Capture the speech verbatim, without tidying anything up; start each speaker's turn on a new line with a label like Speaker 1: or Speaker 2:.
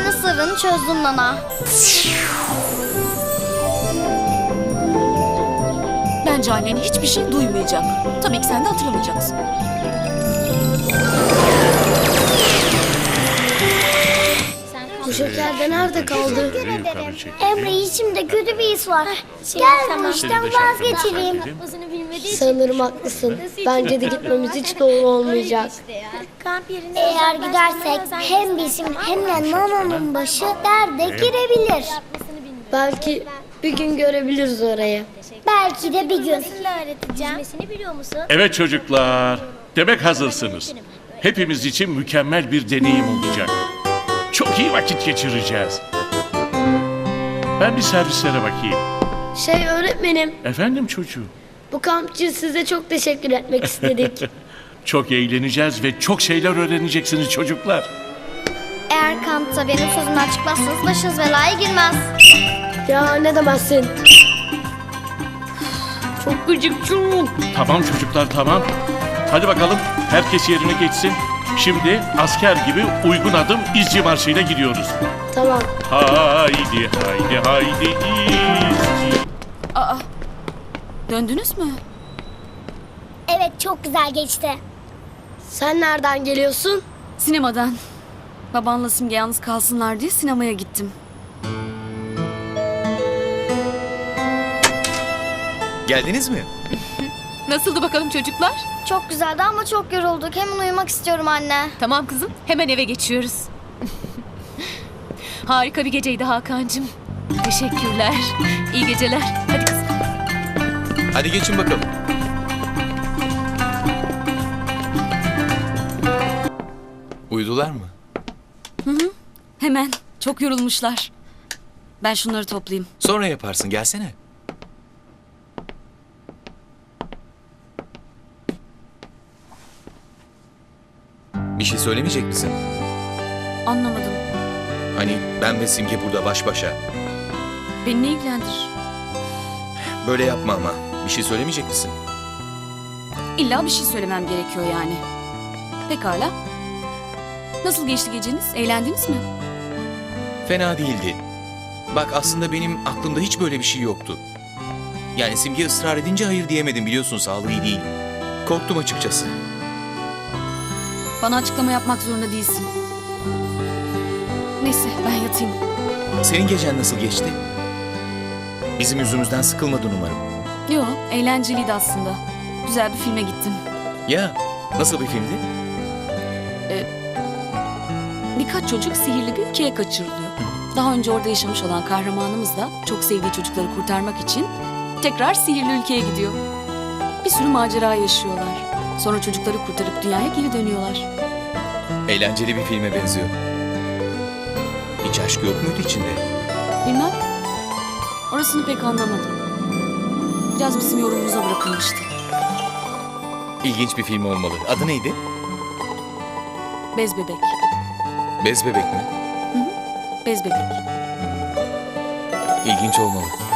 Speaker 1: senin sırrını çözdüm Nana.
Speaker 2: Bence annen hiçbir şey duymayacak. Tabii ki sen de hatırlamayacaksın.
Speaker 3: Bu şeker de nerede kaldı?
Speaker 4: Emre, içimde kötü bir his var. Gel bu işten vazgeçelim.
Speaker 3: Sanırım haklısın. Bence de gitmemiz hiç doğru olmayacak.
Speaker 4: Eğer gidersek hem bizim hem de Nana'nın başı derde girebilir.
Speaker 3: Belki bir gün görebiliriz orayı.
Speaker 4: Belki de bir gün.
Speaker 5: Evet çocuklar, demek hazırsınız. Hepimiz için mükemmel bir deneyim olacak. Çok iyi vakit geçireceğiz. Ben bir servislere bakayım.
Speaker 3: Şey öğretmenim,
Speaker 5: Efendim çocuğum,
Speaker 3: bu kamp için size çok teşekkür etmek istedik.
Speaker 5: çok eğleneceğiz ve çok şeyler öğreneceksiniz çocuklar.
Speaker 1: Eğer kampta benim sözümden çıkmazsanız başınız belaya girmez.
Speaker 3: Ya ne demezsin. Çok gıcık çok.
Speaker 5: Tamam çocuklar, tamam. Hadi bakalım, herkes yerine geçsin. Şimdi asker gibi uygun adım izci marşıyla gidiyoruz.
Speaker 3: Tamam.
Speaker 5: Haydi haydi haydi izci.
Speaker 2: Aa, döndünüz mü?
Speaker 4: Evet, çok güzel geçti.
Speaker 3: Sen nereden geliyorsun?
Speaker 2: Sinemadan. Babanla Simge yalnız kalsınlar diye sinemaya gittim.
Speaker 6: Geldiniz mi?
Speaker 2: Nasıldı bakalım çocuklar?
Speaker 1: Çok güzeldi ama çok yorulduk. Hemen uyumak istiyorum anne.
Speaker 7: Tamam kızım, hemen eve geçiyoruz. Harika bir geceydi Hakan'cığım. Teşekkürler. İyi geceler. Hadi kızım.
Speaker 6: Hadi geçin bakalım. Uyudular mı?
Speaker 2: Hemen. Çok yorulmuşlar. Ben şunları toplayayım.
Speaker 6: Sonra yaparsın, gelsene. Bir şey söylemeyecek misin?
Speaker 2: Anlamadım.
Speaker 6: Hani ben ve Simge burada baş başa.
Speaker 2: Beni ne ilgilendirir?
Speaker 6: Böyle yapma ama. Bir şey söylemeyecek misin?
Speaker 2: İlla bir şey söylemem gerekiyor yani. Pekala. Nasıl geçti geceniz? Eğlendiniz mi?
Speaker 6: Fena değildi. Bak aslında benim aklımda hiç böyle bir şey yoktu. Yani Simge ısrar edince hayır diyemedim, biliyorsun sağlığı iyi değil. Korktum açıkçası.
Speaker 2: Bana açıklama yapmak zorunda değilsin. Neyse ben yatayım.
Speaker 6: Senin gecen nasıl geçti? Bizim yüzümüzden sıkılmadın umarım.
Speaker 2: Yo, eğlenceliydi aslında. Güzel bir filme gittim.
Speaker 6: Ya nasıl bir filmdi?
Speaker 2: Birkaç çocuk sihirli bir ülkeye kaçırılıyor. Daha önce orada yaşamış olan kahramanımız da çok sevdiği çocukları kurtarmak için tekrar sihirli ülkeye gidiyor. Bir sürü macera yaşıyorlar. Sonra çocukları kurtarıp dünyaya geri dönüyorlar.
Speaker 6: Eğlenceli bir filme benziyor. Hiç aşk yok muydu içinde?
Speaker 2: Bilmem. Orasını pek anlamadım. Biraz bizim yorumumuza bırakılmıştı.
Speaker 6: İlginç bir film olmalı. Adı neydi?
Speaker 2: Bez bebek.
Speaker 6: Bez Bebek mi?
Speaker 2: Bez bebek.
Speaker 6: İlginç olmalı.